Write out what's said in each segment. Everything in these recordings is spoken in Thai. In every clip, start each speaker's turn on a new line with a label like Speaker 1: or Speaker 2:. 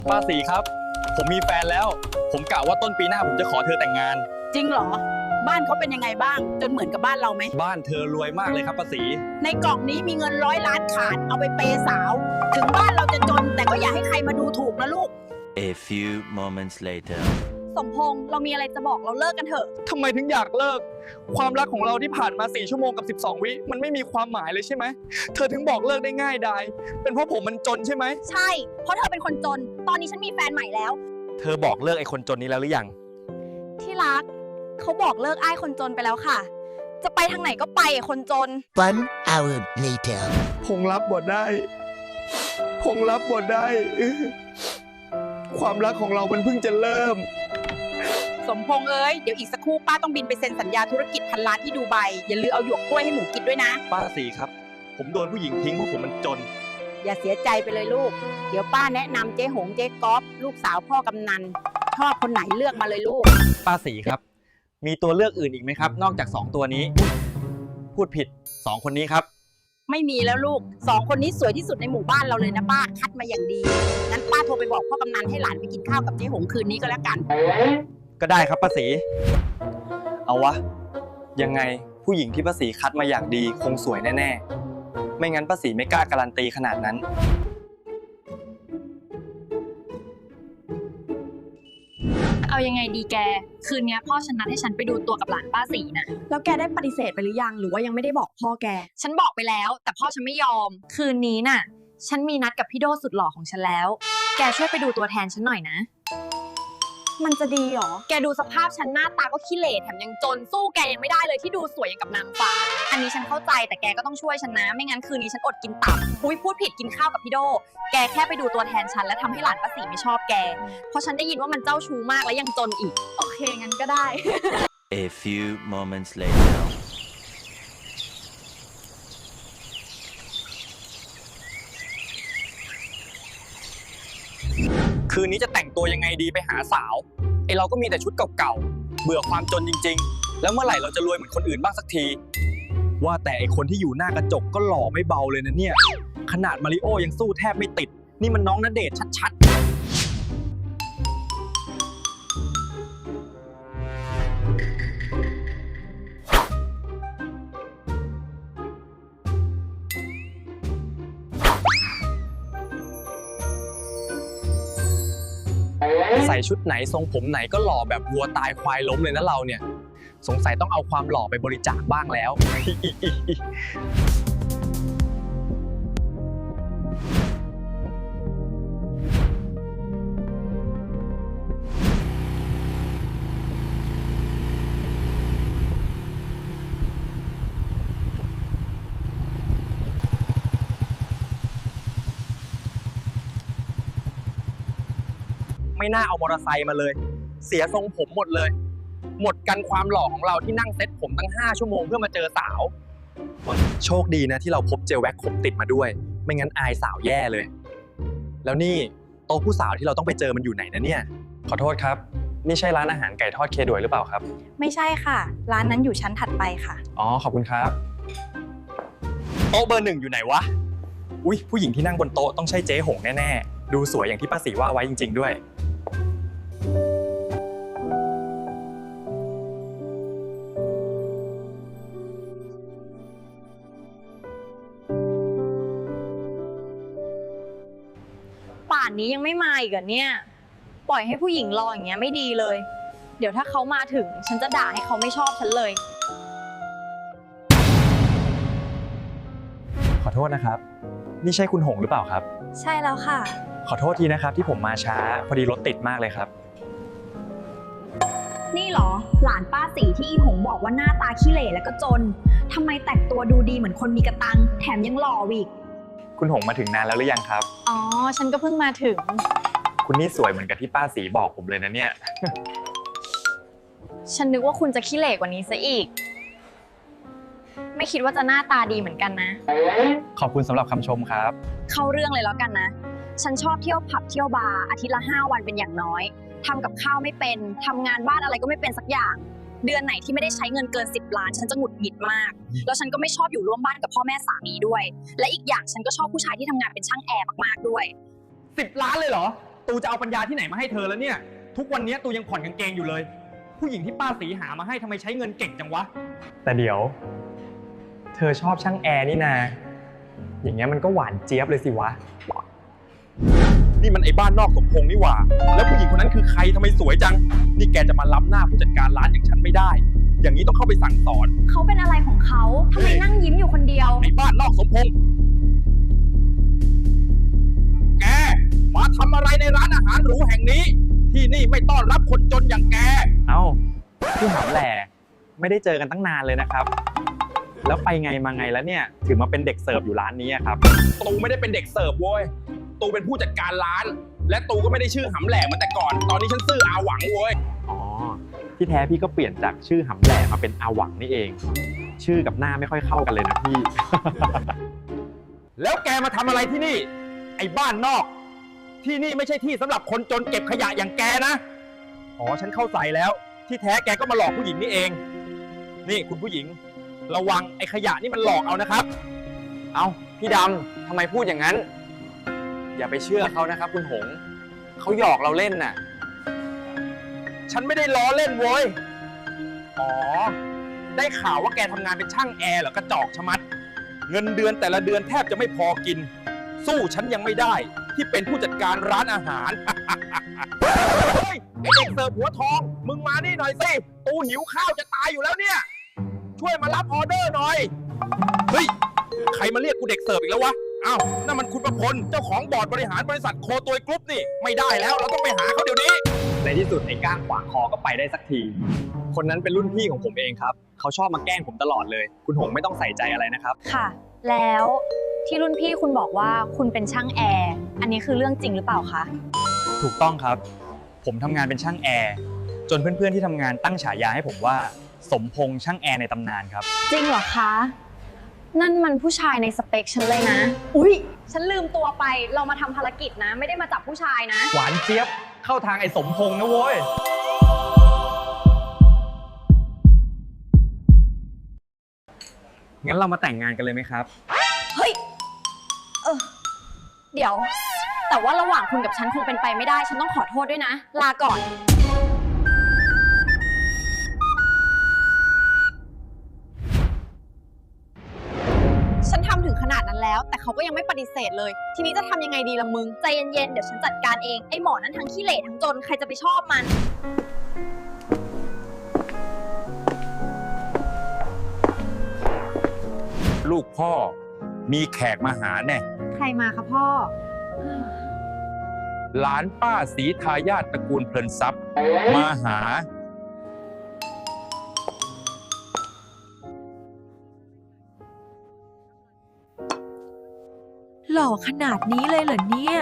Speaker 1: ป้าสีครับผมมีแฟนแล้วผมกะว่าต้นปีหน้าผมจะขอเธอแต่งงาน
Speaker 2: จริงเหรอบ้านเขาเป็นยังไงบ้างจนเหมือนกับบ้านเราไหม
Speaker 1: บ้านเธอรวยมากเลยครับป้าสี
Speaker 2: ในกล่องนี้มีเงิน100 ล้านขาดเอาไปเปย์สาว ถึงบ้านเราจะจนแต่ก็อย่าให้ใครมาดูถูกนะลูก
Speaker 3: A few moments later.
Speaker 4: สมพงษ์เรามีอะไรจะบอกเราเลิกกันเถอะ
Speaker 1: ทำไมถึงอยากเลิกความรักของเราที่ผ่านมา4 ชั่วโมงกับ12 วิมันไม่มีความหมายเลยใช่ไหมเธอถึงบอกเลิกได้ง่ายดายเป็นเพราะผมมันจนใช่ไหม
Speaker 4: ใช่ เพราะเธอเป็นคนจน ตอนนี้ฉันมีแฟนใหม่แล้ว
Speaker 1: เธอบอกเลิกไอ้คนจนนี้แล้วหรือยัง
Speaker 4: ที่รักเขาบอกเลิกอ้ายคนจนไปแล้วค่ะ จะไปทางไหนก็ไปคนจน
Speaker 5: One hour later.
Speaker 1: พงรับบทได้พงรับบทได้ความรักของเรามันเพิ่งจะเริ่ม
Speaker 2: สมพงษ์เอ้ยเดี๋ยวอีกสักครู่ป้าต้องบินไปเซ็นสัญญาธุรกิจพันล้านที่ดูไบอย่าลืมเอาหยวกกล้วยให้หมูกินด้วยนะ
Speaker 1: ป้าสีครับผมโดนผู้หญิงทิ้งเพราะผมมันจน
Speaker 2: อย่าเสียใจไปเลยลูก เดี๋ยวป้าแนะนำเจ๊หงเจ๊ก๊อฟลูกสาวพ่อกำนันชอบคนไหนเลือกมาเลยลูก
Speaker 1: ป้าสีครับ มีตัวเลือกอื่นอีกไหมครับ นอกจาก2ตัวนี้ พูดผิด2คนนี้ครับ
Speaker 2: ไม่มีแล้วลูก2 คนนี้สวยที่สุดในหมู่บ้านเราเลยนะป้าคัดมาอย่างดีงั้นป้าโทรไปบอกพ่อกำนันให้หลานไปกินข้าวกับเจ๊หงคืนนี้ก็แล้วกัน
Speaker 1: ก็ได้ครับป้าสีเอาวะยังไงผู้หญิงที่ป้าสีคัดมาอย่างดีคงสวยแน่ๆไม่งั้นป้าสีไม่กล้าการันตีขนาดนั้น
Speaker 6: เอายังไงดีแก คืนนี้พ่อฉันนัดให้ฉันไปดูตัวกับหลานป้าสีนะ
Speaker 4: แล้วแกได้ปฏิเสธไปหรือยังหรือว่ายังไม่ได้บอกพ่อแก
Speaker 6: ฉันบอกไปแล้ว แต่พ่อฉันไม่ยอม คืนนี้น่ะ ฉันมีนัดกับพี่โดสุดหล่อของฉันแล้ว แกช่วยไปดูตัวแทนฉันหน่อยนะ
Speaker 4: มันจะดีหรอ
Speaker 6: แกดูสภาพฉันหน้าตาก็ขี้เหร่แถมยังจนสู้แกยังไม่ได้เลยที่ดูสวยอย่างกับนางฟ้า อันนี้ฉันเข้าใจแต่แกก็ต้องช่วยฉันนะ ไม่งั้นคืนนี้ฉันอดกินตับอุ้ยพูดผิดกินข้าวกับพี่โด แกแค่ไปดูตัวแทนฉันและทำให้หลานป้าสีไม่ชอบแก เพราะฉันได้ยินว่ามันเจ้าชู้มากและยังจนอีก
Speaker 4: โอเคงั้นก็ได้
Speaker 3: A few moments later.
Speaker 1: คืนนี้จะแต่งตัวยังไงดีไปหาสาวไอเราก็มีแต่ชุดเก่าๆเบื่อความจนจริงๆ แล้วเมื่อไหร่เราจะรวยเหมือนคนอื่นบ้างสักที ว่าแต่ไอคนที่อยู่หน้ากระจกก็หล่อไม่เบาเลยนะเนี่ยขนาดมาริโอยังสู้แทบไม่ติดนี่มันน้องณเดชน์ชัดๆใส่ชุดไหนทรงผมไหนก็หล่อแบบวัวตายควายล้มเลยนะเราเนี่ยสงสัยต้องเอาความหล่อไปบริจาคบ้างแล้ว ไม่น่าเอามอเตอร์ไซค์มาเลย เสียทรงผมหมดเลย หมดกันความหล่อของเราที่นั่งเซ็ตผมตั้ง5 ชั่วโมงเพื่อมาเจอสาว โชคดีนะที่เราพบเจลแว็กผมติดมาด้วย ไม่งั้นอายสาวแย่เลย แล้วนี่โต๊ะผู้สาวที่เราต้องไปเจอมันอยู่ไหนนะเนี่ย ขอโทษครับ นี่ใช่ร้านอาหารไก่ทอดเคดวยหรือเปล่าครับ
Speaker 4: ไม่ใช่ค่ะ ร้านนั้นอยู่ชั้นถัดไปค่ะ
Speaker 1: อ๋อขอบคุณครับโต๊ะเบอร์ 1อยู่ไหนวะอุ๊ยผู้หญิงที่นั่งบนโต๊ะต้องใช่เจ๊หงแน่ๆดูสวยอย่างที่ป้าศรีว่าไว้จริงๆด้วย
Speaker 4: ป่านนี้ยังไม่มาอีกเหรอเนี่ย ปล่อยให้ผู้หญิงรออย่างเงี้ยไม่ดีเลย เดี๋ยวถ้าเขามาถึงฉันจะด่าให้เขาไม่ชอบฉันเลย
Speaker 1: ขอโทษนะครับ นี่ใช่คุณหงหรือเปล่าครับ
Speaker 4: ใช่แล้วค่ะ
Speaker 1: ขอโทษทีนะครับที่ผมมาช้าพอดีรถติดมากเลยครับ
Speaker 4: นี่เหรอ หลานป้าสีที่อีหงบอกว่าหน้าตาขี้เหร่แล้วก็จนทำไมแต่งตัวดูดีเหมือนคนมีกระตังแถมยังหล่ออีก
Speaker 1: คุณหงมาถึงนานแล้วหรือยังครับ
Speaker 4: อ๋อ ฉันก็เพิ่งมาถึง
Speaker 1: คุณนี่สวยเหมือนกับที่ป้าศรีบอกผมเลยนะเนี่ย
Speaker 4: ฉันนึกว่าคุณจะขี้เหร่กว่านี้ซะอีก ไม่คิดว่าจะหน้าตาดีเหมือนกันนะ
Speaker 1: ขอบคุณสำหรับคำชมครับ
Speaker 4: เข้าเรื่องเลยแล้วกันนะ ฉันชอบเที่ยวผับเที่ยวบาร์อาทิตย์ละ5 วันเป็นอย่างน้อยทำกับข้าวไม่เป็นทำงานบ้านอะไรก็ไม่เป็นสักอย่าง เดือนไหนที่ไม่ได้ใช้เงินเกิน10 ล้านฉันจะหงุดหงิดมาก แล้วฉันก็ไม่ชอบอยู่ร่วมบ้านกับพ่อแม่สามีด้วย และอีกอย่างฉันก็ชอบผู้ชายที่ทำงานเป็นช่างแอร์มากๆด้วย
Speaker 1: 10 ล้านเลยเหรอตูจะเอาปัญญาที่ไหนมาให้เธอแล้วเนี่ย ทุกวันนี้ตูยังผ่อนกางเกงอยู่เลย ผู้หญิงที่ป้าสีหามาให้ทำไมใช้เงินเก่งจังวะ แต่เดี๋ยว เธอชอบช่างแอร์นี่นา อย่างเงี้ยมันก็หวานเจี๊ยบเลยสิวะ นี่มันไอ้บ้านนอกสมพงษ์นี่หว่า แล้วผู้หญิงคนนั้นคือใครทำไมสวยจัง นี่แกจะมาล้ำหน้าผู้จัดการร้านอย่างฉันไม่ได้ อย่างนี้ต้องเข้าไปสั่งสอน
Speaker 4: เขาเป็นอะไรของเขาทำไมนั่งยิ้มอยู่คนเดียว
Speaker 1: ไอ้บ้านนอกสมพงษ์แกมาทำอะไรในร้านอาหารหรูแห่งนี้ ที่นี่ไม่ต้อนรับคนจนอย่างแก เอ้าพี่หำแหล่ไม่ได้เจอกันตั้งนานเลยนะครับ แล้วไปไงมาไงแล้วเนี่ยถึงมาเป็นเด็กเสิร์ฟอยู่ร้านนี้ครับตูไม่ได้เป็นเด็กเสิร์ฟโว้ยตูเป็นผู้จัดการร้าน และตูก็ไม่ได้ชื่อหำแหล่มาแต่ก่อน ตอนนี้ฉันชื่ออาหวังโว้ยอ๋อที่แท้พี่ก็เปลี่ยนจากชื่อหำแหล่มาเป็นอาหวังนี่เอง ชื่อกับหน้าไม่ค่อยเข้ากันเลยนะพี่ แล้วแกมาทำอะไรที่นี่ ไอ้บ้านนอก ที่นี่ไม่ใช่ที่สำหรับคนจนเก็บขยะอย่างแกนะอ๋อฉันเข้าใจแล้ว ที่แท้แกก็มาหลอกผู้หญิงนี่เอง นี่คุณผู้หญิง ระวังไอ้ขยะนี่มันหลอกเอานะครับ เอาพี่ดำทำไมพูดอย่างนั้น อย่าไปเชื่อเขานะครับคุณหงเขาหยอกเราเล่นน่ะ ฉันไม่ได้ล้อเล่นโว้ยอ๋อได้ข่าวว่าแกทำงานเป็นช่างแอร์เหรอกระจอกชะมัด เงินเดือนแต่ละเดือนแทบจะไม่พอกิน สู้ฉันยังไม่ได้ที่เป็นผู้จัดการร้านอาหาร เฮ้ยไอเด็กเสิร์ฟหัวทองมึงมานี่หน่อยสิตูหิวข้าวจะตายอยู่แล้วเนี่ยช่วยมารับออเดอร์หน่อยเฮ้ยใครมาเรียกกูเด็กเสิร์ฟอีกแล้ววะอ้าวนั่นมันคุณประพลเจ้าของบอร์ดบริหารบริษัทโคตัวยกรุ๊ปนี่ไม่ได้แล้วเราต้องไปหาเขาเดี๋ยวนี้ในที่สุดไอ้ก้างขวางคอก็ไปได้สักทีคนนั้นเป็นรุ่นพี่ของผมเองครับเขาชอบมาแกล้งผมตลอดเลยคุณหงไม่ต้องใส่ใจอะไรนะครับ
Speaker 4: ค่ะ แล้วที่รุ่นพี่คุณบอกว่าคุณเป็นช่างแอร์ อันนี้คือเรื่องจริงหรือเปล่าคะ
Speaker 1: ถูกต้องครับผมทำงานเป็นช่างแอร์จนเพื่อนๆที่ทำงานตั้งฉายาให้ผมว่าสมพงษ์ช่างแอร์ในตำนานครับ
Speaker 4: จริงเหรอคะ นั่นมันผู้ชายในสเปคฉันเลยนะ อุ๊ย ฉันลืมตัวไป เรามาทำภารกิจนะ ไม่ได้มาจับผู้ชายนะ
Speaker 1: หวานเจี๊ยบเข้าทางไอ้สมพงษ์นะโว้ยงั้นเรามาแต่งงานกันเลยไหมครับ
Speaker 4: เฮ้ย เดี๋ยว แต่ว่าระหว่างคุณกับฉันคงเป็นไปไม่ได้ ฉันต้องขอโทษด้วยนะ ลาก่อน
Speaker 6: ฉันทำถึงขนาดนั้นแล้ว แต่เขาก็ยังไม่ปฏิเสธเลย ทีนี้จะทำยังไงดีล่ะมึง
Speaker 4: ใจเย็นๆ เดี๋ยวฉันจัดการเอง ไอ้หมอนั้นทั้งขี้เหร่ทั้งจน ใครจะไปชอบมัน
Speaker 7: ลูกพ่อมีแขกมาหาแน่
Speaker 2: ใครมาคะพ่อ
Speaker 7: หลานป้าศรีทายาทตระกูลเพลินทรัพย์มาหา
Speaker 8: หล่อขนาดนี้เลยเหรอเนี่ย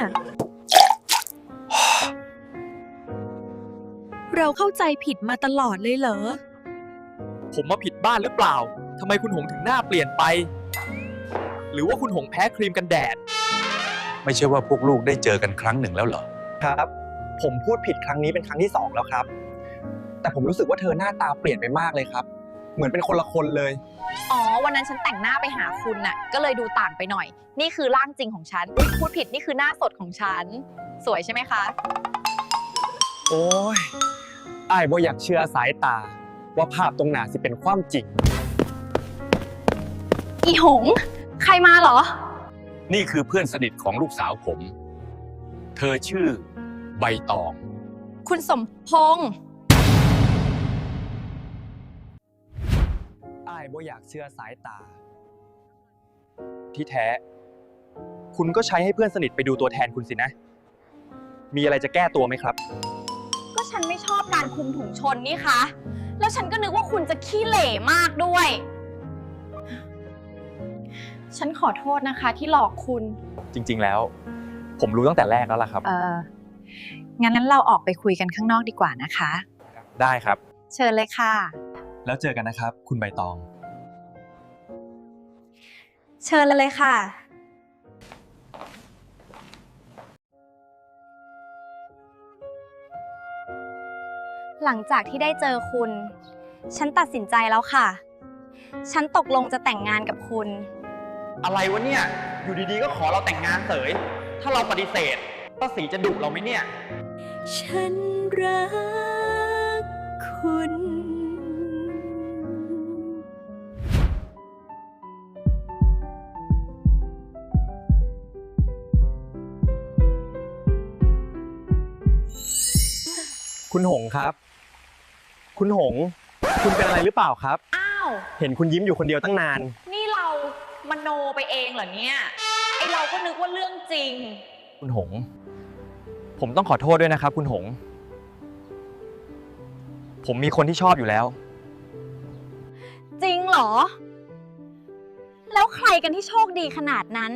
Speaker 8: เราเข้าใจผิดมาตลอดเลยเหรอ
Speaker 1: ผมมาผิดบ้านหรือเปล่าทำไมคุณหงถึงหน้าเปลี่ยนไป หรือว่าคุณหงแพ้ครีมกันแดด
Speaker 7: ไม่ใช่ว่าพวกลูกได้เจอกันครั้งหนึ่งแล้วเหรอ
Speaker 1: ครับ ผมพูดผิดครั้งนี้เป็นครั้งที่2แล้วครับ แต่ผมรู้สึกว่าเธอหน้าตาเปลี่ยนไปมากเลยครับ เหมือนเป็นคนละคนเลย
Speaker 6: อ๋อ วันนั้นฉันแต่งหน้าไปหาคุณน่ะ ก็เลยดูต่างไปหน่อย นี่คือร่างจริงของฉันอุ๊ยพูดผิดนี่คือหน้าสดของฉัน สวยใช่ไหมคะ
Speaker 1: โอ้ยอ้ายบ่อยากเชื่อสายตา ว่าภาพตรงหน้าสิเป็นความจริง
Speaker 4: อีหง ใครมาเหรอ
Speaker 7: นี่คือเพื่อนสนิทของลูกสาวผม เธอชื่อใบตอง
Speaker 6: คุณสมพงษ์
Speaker 1: อ้ายบ่อยากเชื่อสายตา ที่แท้ คุณก็ใช้ให้เพื่อนสนิทไปดูตัวแทนคุณสินะ มีอะไรจะแก้ตัวไหมครับ
Speaker 6: ก็ฉันไม่ชอบการคลุมถุงชนนี่คะ แล้วฉันก็นึกว่าคุณจะขี้เหร่มากด้วย ฉันขอโทษนะคะที่หลอกคุณ
Speaker 1: จริงๆแล้ว ผมรู้ตั้งแต่แรกแล้วล่ะครับ
Speaker 2: งั้นเราออกไปคุยกันข้างนอกดีกว่านะคะ
Speaker 1: ได้ครับ
Speaker 2: เชิญเลยค่ะ
Speaker 1: แล้วเจอกันนะครับ คุณใบตอง
Speaker 2: เชิญเลยค่ะ
Speaker 4: หลังจากที่ได้เจอคุณ ฉันตัดสินใจแล้วค่ะ ฉันตกลงจะแต่งงานกับคุณ
Speaker 1: อะไรวะเนี่ย อยู่ดีๆ ก็ขอเราแต่งงานเสย ถ้าเราปฏิเสธป้าศรีจะดุเราไหมเนี่ย
Speaker 8: ฉันรักคุณ
Speaker 1: คุณหงครับ คุณหง คุณเป็นอะไรหรือเปล่าครับ
Speaker 6: อ้าว
Speaker 1: เห็นคุณยิ้มอยู่คนเดียวตั้งนาน
Speaker 6: นี่เรามโนไปเองเหรอเนี่ย ไอเราก็นึกว่าเรื่องจริง
Speaker 1: คุณหง ผมต้องขอโทษด้วยนะครับ คุณหง ผมมีคนที่ชอบอยู่แล้ว
Speaker 4: จริงเหรอ แล้วใครกันที่โชคดีขนาดนั้น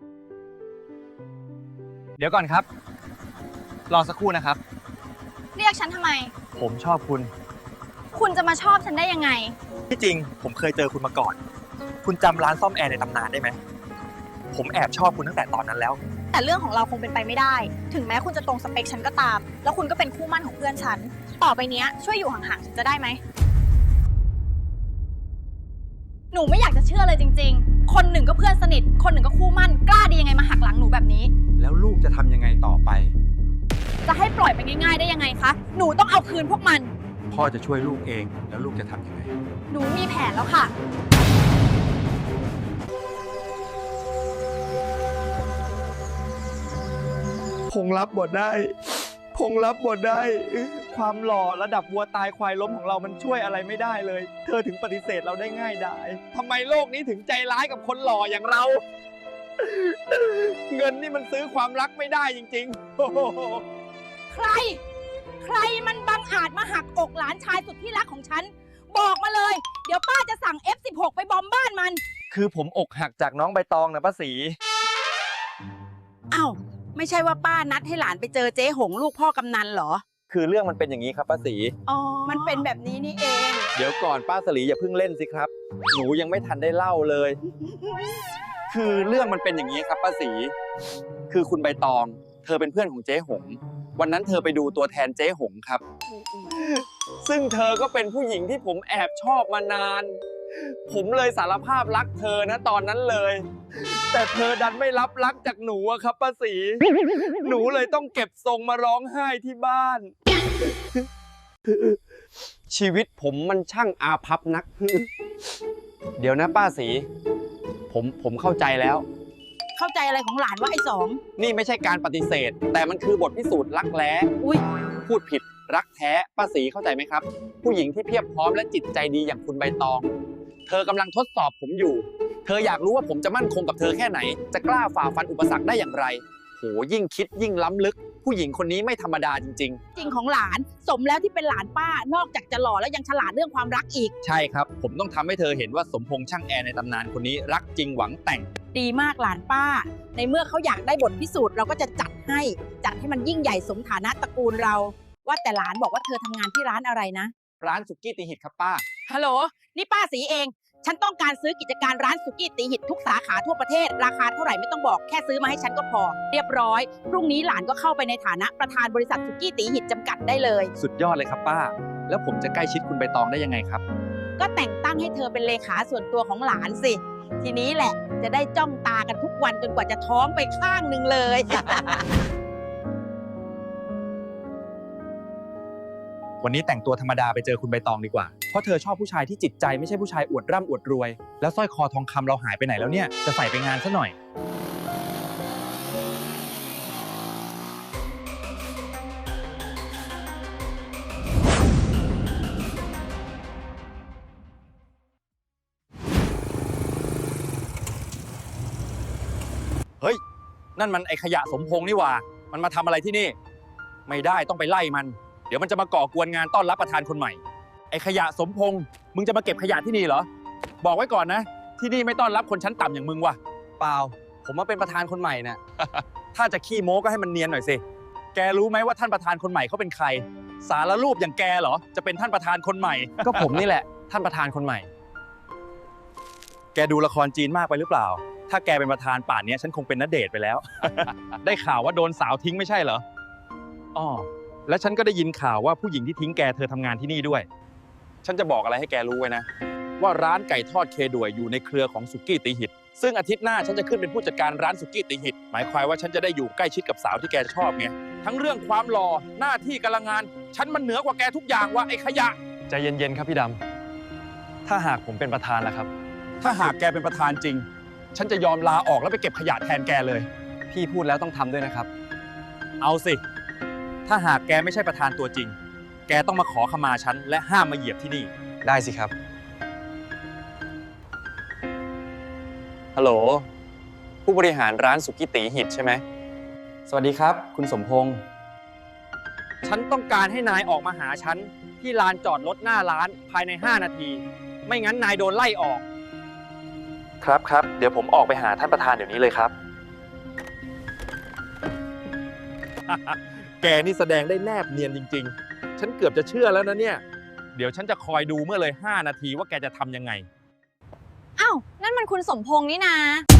Speaker 1: เดี๋ยวก่อนครับ รอสักครู่นะครับ
Speaker 4: เรียกฉันทำไม
Speaker 1: ผมชอบคุณ
Speaker 4: คุณจะมาชอบฉันได้ยังไง
Speaker 1: ที่จริงผมเคยเจอคุณมาก่อน คุณจำร้านซ่อมแอร์ในตำนานได้ไหม ผมแอบชอบคุณตั้งแต่ตอนนั้นแล้ว
Speaker 4: แต่เรื่องของเราคงเป็นไปไม่ได้ ถึงแม้คุณจะตรงสเปคฉันก็ตาม แล้วคุณก็เป็นคู่มั่นของเพื่อนฉัน ต่อไปเนี้ยช่วยอยู่ห่างๆฉันจะได้ไหม หนูไม่อยากจะเชื่อเลยจริงๆ คนหนึ่งก็เพื่อนสนิท คนหนึ่งก็คู่มั่น กล้าดียังไงมาหักหลังหนูแบบนี้
Speaker 1: แล้วลูกจะทำยังไงต่อไป
Speaker 4: จะให้ปล่อยไปง่ายๆได้ยังไงคะ หนูต้องเอาคืนพวกมัน
Speaker 1: พ่อจะช่วยลูกเอง แล้วลูกจะทำยังไง
Speaker 4: หนูมีแผนแล้วค่ะ
Speaker 1: พงรับบทได้ พงรับบทได้ ความหล่อระดับวัวตายควายล้มของเรามันช่วยอะไรไม่ได้เลย เธอถึงปฏิเสธเราได้ง่ายดายทำไมโลกนี้ถึงใจร้ายกับคนหล่ออย่างเรา เงินนี่มันซื้อความรักไม่ได้จริงๆโอ้โห
Speaker 2: ใคร ใครมันบังอาจมาหักอกหลานชายสุดที่รักของฉัน บอกมาเลย เดี๋ยวป้าจะสั่ง F16 ไปบอมบ้านมัน
Speaker 1: คือผมอกหักจากน้องใบตองนะป้าศรี
Speaker 2: อ้าว ไม่ใช่ว่าป้านัดให้หลานไปเจอเจ๊หงลูกพ่อกำนันเหรอ
Speaker 1: คือเรื่องมันเป็นอย่างนี้ครับป้าศรี
Speaker 2: อ๋อ มันเป็นแบบนี้นี่เอง
Speaker 1: เดี๋ยวก่อนป้าสลีอย่าเพิ่งเล่นสิครับ หนูยังไม่ทันได้เล่าเลย คือเรื่องมันเป็นอย่างนี้ครับป้าศรีคือคุณใบตอง เธอเป็นเพื่อนของเจ๊หง วันนั้นเธอไปดูตัวแทนเจ๊หงครับ ซึ่งเธอก็เป็นผู้หญิงที่ผมแอบชอบมานาน ผมเลยสารภาพรักเธอนะตอนนั้นเลย แต่เธอดันไม่รับรักจากหนูอะครับป้าศรีหนูเลยต้องเก็บทรงมาร้องไห้ที่บ้าน ชีวิตผมมันช่างอาภัพนัก เดี๋ยวนะป้าศรีผมเข้าใจแล้ว
Speaker 2: เข้าใจอะไรของหลานว่าไอ้สอง
Speaker 1: นี่ไม่ใช่การปฏิเสธ แต่มันคือบทพิสูจน์รักแร้
Speaker 2: อุ้ย
Speaker 1: พูดผิดรักแท้ป้าศรีเข้าใจไหมครับ ผู้หญิงที่เพียบพร้อมและจิตใจดีอย่างคุณใบตอง เธอกำลังทดสอบผมอยู่ เธออยากรู้ว่าผมจะมั่นคงกับเธอแค่ไหน จะกล้าฝ่าฟันอุปสรรคได้อย่างไร โหยิ่งคิดยิ่งล้ำลึก ผู้หญิงคนนี้ไม่ธรรมดาจริง
Speaker 2: จริงของหลาน สมแล้วที่เป็นหลานป้า นอกจากจะหล่อแล้วยังฉลาดเรื่องความรักอีก
Speaker 1: ๆ ใช่ครับ ผมต้องทำให้เธอเห็นว่าสมพงษ์ช่างแอร์ในตำนานคนนี้รักจริงหวังแต่ง
Speaker 2: ดีมากหลานป้า ในเมื่อเขาอยากได้บทพิสูจน์เราก็จะจัดให้มันยิ่งใหญ่สมฐานะตระกูลเรา ว่าแต่หลานบอกว่าเธอทำงานที่ร้านอะไรนะ
Speaker 1: ร้านสุกี้ตีหิตครับป้า
Speaker 2: ฮัลโหล นี่ป้าสีเอง ฉันต้องการซื้อกิจการร้านสุกี้ตีหิตทุกสาขาทั่วประเทศ ราคาเท่าไหร่ไม่ต้องบอกแค่ซื้อมาให้ฉันก็พอ เรียบร้อย พรุ่งนี้หลานก็เข้าไปในฐานะประธานบริษัทสุกี้ตีหิตจำกัดได้เลย
Speaker 1: สุดยอดเลยครับป้า แล้วผมจะใกล้ชิดคุณใบตองได้ยังไงครับ
Speaker 2: ก็แต่งตั้งให้เธอเป็นเลขาส่วนตัวของหลานสิ ทีนี้แหละจะได้จ้องตากันทุกวันจนกว่าจะท้องไปข้างหนึ่งเลย
Speaker 1: วันนี้แต่งตัวธรรมดาไปเจอคุณใบตองดีกว่า เพราะเธอชอบผู้ชายที่จิตใจไม่ใช่ผู้ชายอวดร่ำอวดรวย แล้วสร้อยคอทองคำเราหายไปไหนแล้วเนี่ย จะใส่ไปงานซะหน่อย เฮ้ย นั่นมันไอขยะสมพงษ์นี่หว่า มันมาทำอะไรที่นี่ ไม่ได้ต้องไปไล่มัน เดี๋ยวมันจะมาก่อกวนงานต้อนรับประธานคนใหม่ ไอขยะสมพงษ์มึงจะมาเก็บขยะที่นี่เหรอ บอกไว้ก่อนนะ ที่นี่ไม่ต้อนรับคนชั้นต่ำอย่างมึงว่ะ เปล่า ผมมาเป็นประธานคนใหม่น่ะ ถ้าจะขี้โม้ก็ให้มันเนียนหน่อยสิ แกรู้ไหมว่าท่านประธานคนใหม่เขาเป็นใคร สารรูปอย่างแกเหรอ จะเป็นท่านประธานคนใหม่ ก็ผมนี่แหละ ท่านประธานคนใหม่ แกดูละครจีนมากไปหรือเปล่า ถ้าแกเป็นประธานป่านนี้ฉันคงเป็นณเดชน์ไปแล้ว ได้ข่าวว่าโดนสาวทิ้งไม่ใช่เหรออ้อและฉันก็ได้ยินข่าวว่าผู้หญิงที่ทิ้งแกเธอทำงานที่นี่ด้วย ฉันจะบอกอะไรให้แกรู้ไว้นะ ว่าร้านไก่ทอดเคด่วยอยู่ในเครือของสุกี้ตีหิต
Speaker 7: ซึ่งอาทิตย์หน้าฉันจะขึ้นเป็นผู้จัดการร้านสุกี้ตีหิตหมายความว่าฉันจะได้อยู่ใกล้ชิดกับสาวที่แกชอบไงทั้งเรื่องความหล่อหน้าที่การงานฉันมันเหนือกว่าแกทุกอย่างว่ะไอ้ขยะ
Speaker 1: ใจเย็นๆครับพี่ดำถ้าหากผมเป็นประธานล่ะครับ
Speaker 7: ถ้าหากแกเป็นประธานจริง ฉันจะยอมลาออกแล้วไปเก็บขยะแทนแกเลย
Speaker 1: พี่พูดแล้วต้องทำด้วยนะครับ
Speaker 7: เอาสิ ถ้าหากแกไม่ใช่ประธานตัวจริง แกต้องมาขอขมาฉันและห้ามมาเหยียบที่นี่
Speaker 1: ได้สิครับ ฮัลโหล ผู้บริหารร้านสุกี้ตีหิตใช่ไหม สวัสดีครับ คุณสมพงษ์ ฉันต้องการให้นายออกมาหาฉันที่ลานจอดรถหน้าร้านภายใน 5 นาที ไม่งั้นนายโดนไล่ออก ครับ เดี๋ยวผมออกไปหาท่านประธานเดี๋ยวนี้เลยครับ
Speaker 7: แกนี่แสดงได้แนบเนียนจริงๆ ฉันเกือบจะเชื่อแล้วนะเนี่ย เดี๋ยวฉันจะคอยดูเมื่อเลย 5 นาทีว่าแกจะทำยังไง
Speaker 6: อ้าว นั่นมันคุณสมพงษ์นี่นา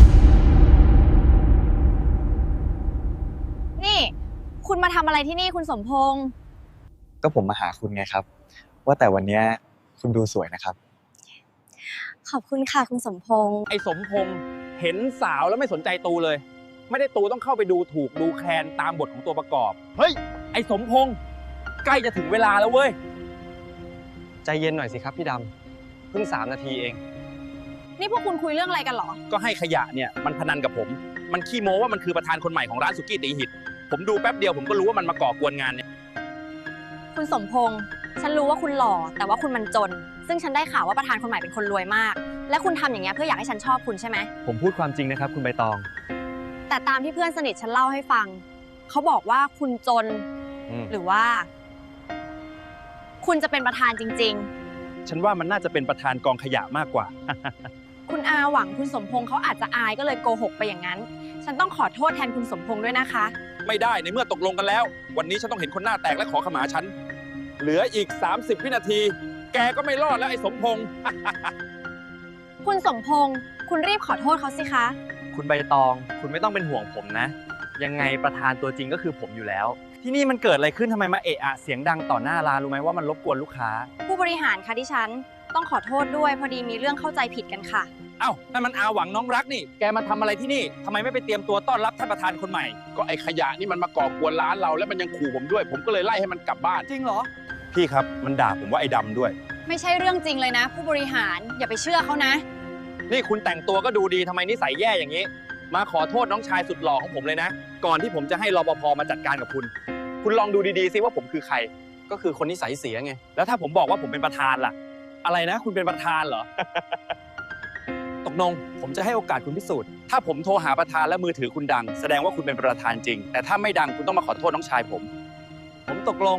Speaker 6: นี่ คุณมาทำอะไรที่นี่คุณสมพงษ์
Speaker 1: ก็ผมมาหาคุณไงครับ ว่าแต่วันนี้คุณดูสวยนะครับ
Speaker 6: ขอบคุณค่ะคุณสมพงษ์
Speaker 7: ไอ้สมพงษ์เห็นสาวแล้วไม่สนใจตูเลย ไม่ได้ตูต้องเข้าไปดูถูกดูแคลนตามบทของตัวประกอบ เฮ้ย ไอ้สมพงษ์ใกล้จะถึงเวลาแล้วเว้ย
Speaker 1: ใจเย็นหน่อยสิครับพี่ดำ เพิ่ง 3 นาทีเอง
Speaker 6: นี่พวกคุณคุยเรื่องอะไรกันเหรอ
Speaker 7: ก็ให้ขยะเนี่ยมันพนันกับผม มันขี้โม้ว่ามันคือประธานคนใหม่ของร้านสุกี้ตีหิต ผมดูแป๊บเดียวผมก็รู้ว่ามันมาก่อกวนงานเนี่ย
Speaker 6: คุณสมพงษ์ ฉันรู้ว่าคุณหล่อ แต่ว่าคุณมันจน ซึ่งฉันได้ข่าวว่าประธานคนใหม่เป็นคนรวยมาก และคุณทำอย่างเงี้ยเพื่ออยากให้ฉันชอบคุณใช่ไหม
Speaker 1: ผมพูดความจริงนะครับคุณใบตอง
Speaker 6: แต่ตามที่เพื่อนสนิทฉันเล่าให้ฟัง เขาบอกว่าคุณจน หรือว่า คุณจะเป็นประธานจริง
Speaker 7: ฉันว่ามันน่าจะเป็นประธานกองขยะมากกว่า
Speaker 6: ๆ คุณอาหวังคุณสมพงษ์เขาอาจจะอายก็เลยโกหกไปอย่างนั้น ฉันต้องขอโทษแทนคุณสมพงษ์ด้วยนะคะ
Speaker 7: ไม่ได้ในเมื่อตกลงกันแล้ว วันนี้ฉันต้องเห็นคนหน้าแตกและขอขมาฉัน เหลืออีก 30 วินาที แกก็ไม่รอดแล้วไอ้สมพงษ์
Speaker 6: คุณสมพงษ์ คุณรีบขอโทษเขาสิคะ
Speaker 1: คุณใบตอง คุณไม่ต้องเป็นห่วงผมนะ ยังไงประธานตัวจริงก็คือผมอยู่แล้ว ที่นี่มันเกิดอะไรขึ้นทำไมมาเอะอะเสียงดังต่อหน้าร้านรู้ไหมว่ามันรบกวนลูกค้า
Speaker 6: ผู้บริหารคะดิฉัน ต้องขอโทษด้วยพอดีมีเรื่องเข้าใจผิดกันค่ะ
Speaker 7: เอ้านั่นมันอาหวังน้องรักนี่ แกมาทำอะไรที่นี่ทำไมไม่ไปเตรียมตัวต้อนรับท่านประธานคนใหม่ ก็ไอ้ขยะนี่มันมาก่อกวนร้านเราแล้วมันยังขู่ผมด้วย ผมก็เลยไล่ให้มันกลับบ้าน
Speaker 1: จริงเหรอ
Speaker 7: พี่ครับมันด่าผมว่าไอ้ดำด้วย
Speaker 6: ไม่ใช่เรื่องจริงเลยนะ ผู้บริหารอย่าไปเชื่อเขานะ
Speaker 7: นี่คุณแต่งตัวก็ดูดีทำไมนิสัยแย่อย่างนี้ มาขอโทษน้องชายสุดหล่อของผมเลยนะ ก่อนที่ผมจะให้รปภมาจัดการกับคุณ คุณลองดูดีๆซิว่าผมคือใคร
Speaker 1: ก็คือคนนิสัยเสียไง
Speaker 7: แล้วถ้าผมบอกว่าผมเป็นประธานล่ะ อะไรนะ คุณเป็นประธานเหรอ ตกลงผมจะให้โอกาสคุณพิสูจน์ ถ้าผมโทรหาประธานและมือถือคุณดัง แสดงว่าคุณเป็นประธานจริง แต่ถ้าไม่ดังคุณต้องมาขอโทษน้องชายผม
Speaker 1: ผมตกลง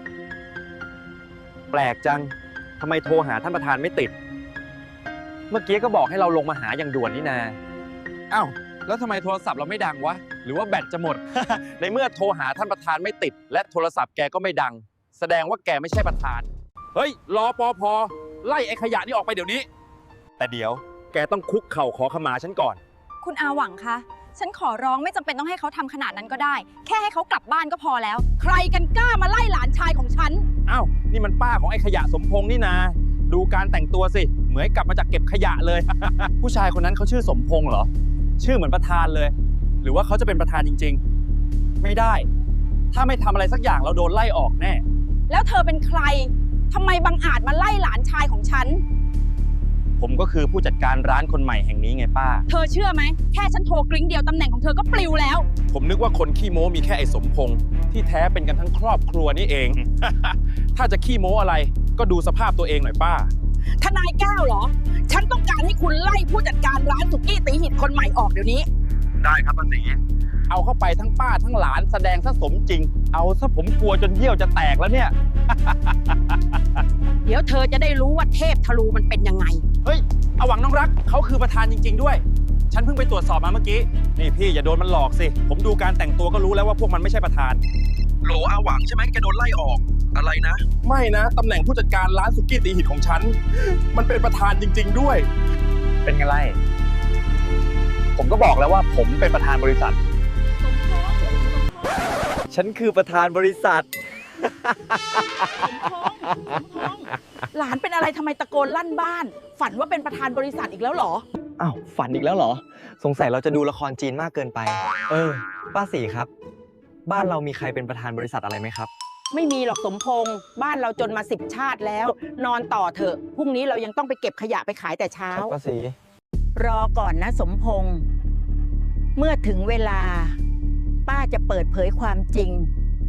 Speaker 1: แปลกจังทำไมโทรหาท่านประธานไม่ติด เมื่อกี้ก็บอกให้เราลงมาหาอย่างด่วนนี่นา
Speaker 7: อ้าวแล้วทำไมโทรศัพท์เราไม่ดังวะ หรือว่าแบตจะหมด ในเมื่อโทรหาท่านประธานไม่ติด และโทรศัพท์แกก็ไม่ดัง แสดงว่าแกไม่ใช่ประธาน เฮ้ยรอปภไล่ไอ้ขยะนี่ออกไปเดี๋ยวนี้ แต่เดี๋ยวแกต้องคุกเข่าขอขมาฉันก่อน
Speaker 6: คุณอาหวังคะ ฉันขอร้องไม่จำเป็นต้องให้เขาทำขนาดนั้นก็ได้ แค่ให้เขากลับบ้านก็พอแล้ว
Speaker 2: ใครกันกล้ามาไล่หลานชายของฉัน
Speaker 7: อ้าวนี่มันป้าของไอ้ขยะสมพงษ์นี่นา ดูการแต่งตัวสิ เหมือนกลับมาจากเก็บขยะเลย
Speaker 1: ผู้ชายคนนั้นเขาชื่อสมพงษ์เหรอ ชื่อเหมือนประธานเลย หรือว่าเขาจะเป็นประธานจริงๆ ไม่ได้ ถ้าไม่ทำอะไรสักอย่างเราโดนไล่ออกแน่
Speaker 2: แล้วเธอเป็นใครทำไมบังอาจมาไล่หลานชายของฉัน
Speaker 1: ผมก็คือผู้จัดการร้านคนใหม่แห่งนี้ไงป้า
Speaker 2: เธอเชื่อไหมแค่ฉันโทรกริ้งเดียวตำแหน่งของเธอก็ปลิวแล้ว
Speaker 7: ผมนึกว่าคนขี้โม้มีแค่ไอ้สมพงษ์ที่แท้เป็นกันทั้งครอบครัวนี่เอง ถ้าจะขี้โม้อะไรก็ดูสภาพตัวเองหน่อยป้า
Speaker 2: ทนายแก้วเหรอ ฉันต้องการให้คุณไล่ผู้จัดการร้านสุกี้ตีหิตคนใหม่ออกเดี๋ยวนี้
Speaker 7: ได้ครับป้าศรีเอาเข้าไปทั้งป้าทั้งหลานแสดงซะสมจริง เอาซะผมกลัวจนเยี่ยวจะแตกแล้วเนี่ย
Speaker 2: เดี๋ยวเธอจะได้รู้ว่าเทพทะลูมันเป็นยังไง
Speaker 7: เฮ้ยเอาหวังน้องรักเขาคือประธานจริง ๆ ด้วย ฉันเพิ่งไปตรวจสอบมาเมื่อกี้ นี่พี่อย่าโดนมันหลอกสิ ผมดูการแต่งตัวก็รู้แล้วว่าพวกมันไม่ใช่ประธาน โหลอาหวังใช่ไหมแกโดนไล่ออก อะไรนะ ไม่นะตำแหน่งผู้จัดการร้านสุกี้ตีหิตของฉัน มันเป็นประธานจริง ๆ ด้วย
Speaker 1: เป็นไงไล่ผมก็บอกแล้วว่าผมเป็นประธานบริษัท ฉันคือประธานบริษัท
Speaker 2: หลานเป็นอะไรทำไมตะโกนลั่นบ้าน ฝันว่าเป็นประธานบริษัทอีกแล้วเหรอ
Speaker 1: อ้าวฝันอีกแล้วเหรอ สงสัยเราจะดูละครจีนมากเกินไป ป้าสีครับ บ้านเรามีใครเป็นประธานบริษัทอะไรไหมครับ
Speaker 2: ไม่มีหรอกสมพงษ์บ้านเราจนมา10 ชาติแล้ว นอนต่อเถอะพรุ่งนี้เรายังต้องไปเก็บขยะไปขายแต่เช้า
Speaker 1: ป้าสี
Speaker 2: รอก่อนนะสมพงษ์เมื่อถึงเวลา ป้าจะเปิดเผยความจริง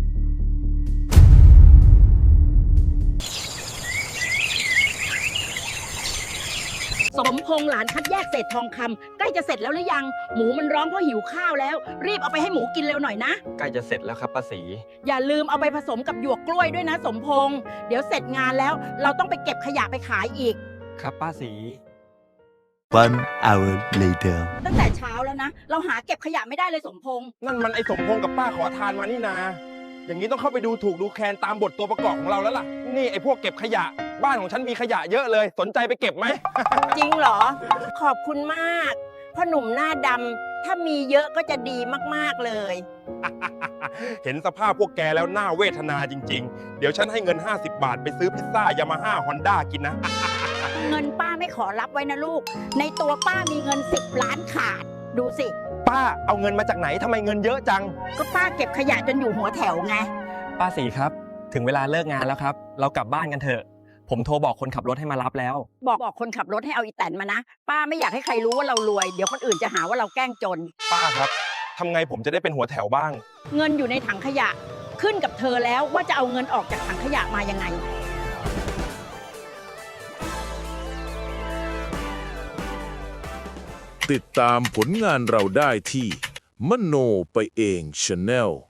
Speaker 2: สมพงษ์หลานคัดแยกเศษทองคำใกล้จะเสร็จแล้วหรือยัง หมูมันร้องเพราะหิวข้าวแล้ว รีบเอาไปให้หมูกินเร็วหน่อยนะ
Speaker 1: ใกล้จะเสร็จแล้วครับป้าสี
Speaker 2: อย่าลืมเอาไปผสมกับหยวกกล้วยด้วยนะสมพงษ์เดี๋ยวเสร็จงานแล้ว เราต้องไปเก็บขยะไปขายอีก
Speaker 1: ครับป้าสี
Speaker 3: 1 hour later.
Speaker 2: ตั้งแต่เช้าแล้วนะ เราหาเก็บขยะไม่ได้เลยสมพงษ์
Speaker 7: นั่นมันไอ้สมพงษ์กับป้าขอทานมานี่นา อย่างนี้ต้องเข้าไปดูถูกดูแคลนตามบทตัวประกอบของเราแล้วล่ะ นี่ไอ้พวกเก็บขยะ บ้านของฉันมีขยะเยอะเลย สนใจไปเก็บไหม
Speaker 2: จริงเหรอ ขอบคุณมากพ่อหนุ่มหน้าดำถ้ามีเยอะก็จะดีมากๆเลย
Speaker 7: เห็นสภาพพวกแกแล้วน่าเวทนาจริงๆ เดี๋ยวฉันให้เงิน 50 บาทไปซื้อพิซซ่ายามาฮ่าฮอนด้ากินนะ
Speaker 2: เงินป้าไม่ขอรับไว้นะลูก ในตัวป้ามีเงิน10 ล้านขาด ดูสิ
Speaker 1: ป้าเอาเงินมาจากไหนทำไมเงินเยอะจัง
Speaker 2: ก็ป้าเก็บขยะจนอยู่หัวแถวไง
Speaker 1: ป้าสีครับ ถึงเวลาเลิกงานแล้วครับ เรากลับบ้านกันเถอะ ผมโทรบอกคนขับรถให้มารับแล้ว
Speaker 2: บอกคนขับรถให้เอาอีแตนมานะ ป้าไม่อยากให้ใครรู้ว่าเรารวย เดี๋ยวคนอื่นจะหาว่าเราแกล้งจน
Speaker 7: ป้าครับทำไงผมจะได้เป็นหัวแถวบ้าง
Speaker 2: เงินอยู่ในถังขยะ ขึ้นกับเธอแล้วว่าจะเอาเงินออกจากถังขยะมายังไง
Speaker 9: ติดตามผลงานเราได้ที่มโนไปเอง Channel